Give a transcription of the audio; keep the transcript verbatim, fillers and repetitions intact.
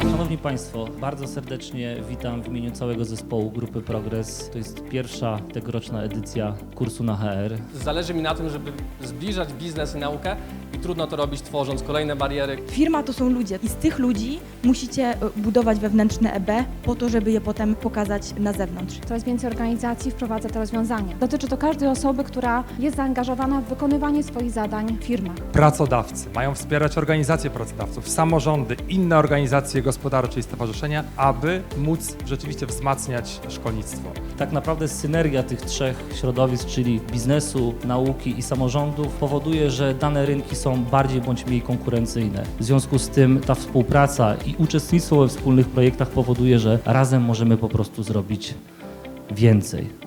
Szanowni Państwo, bardzo serdecznie witam w imieniu całego zespołu Grupy Progress. To jest pierwsza tegoroczna edycja kursu na H R. Zależy mi na tym, żeby zbliżać biznes i naukę i trudno to robić, tworząc kolejne bariery. Firma to są ludzie i z tych ludzi musicie budować wewnętrzne E B po to, żeby je potem pokazać na zewnątrz. Coraz więcej organizacji wprowadza te rozwiązania. Dotyczy to każdej osoby, która jest zaangażowana w wykonywanie swoich zadań w firmach. Pracodawcy mają wspierać organizacje pracodawców, samorządy, inne organizacje gospodarcze i stowarzyszenia, aby móc rzeczywiście wzmacniać szkolnictwo. Tak naprawdę synergia tych trzech środowisk, czyli biznesu, nauki i samorządów, powoduje, że dane rynki są bardziej bądź mniej konkurencyjne. W związku z tym ta współpraca i uczestnictwo we wspólnych projektach powoduje, że razem możemy po prostu zrobić więcej.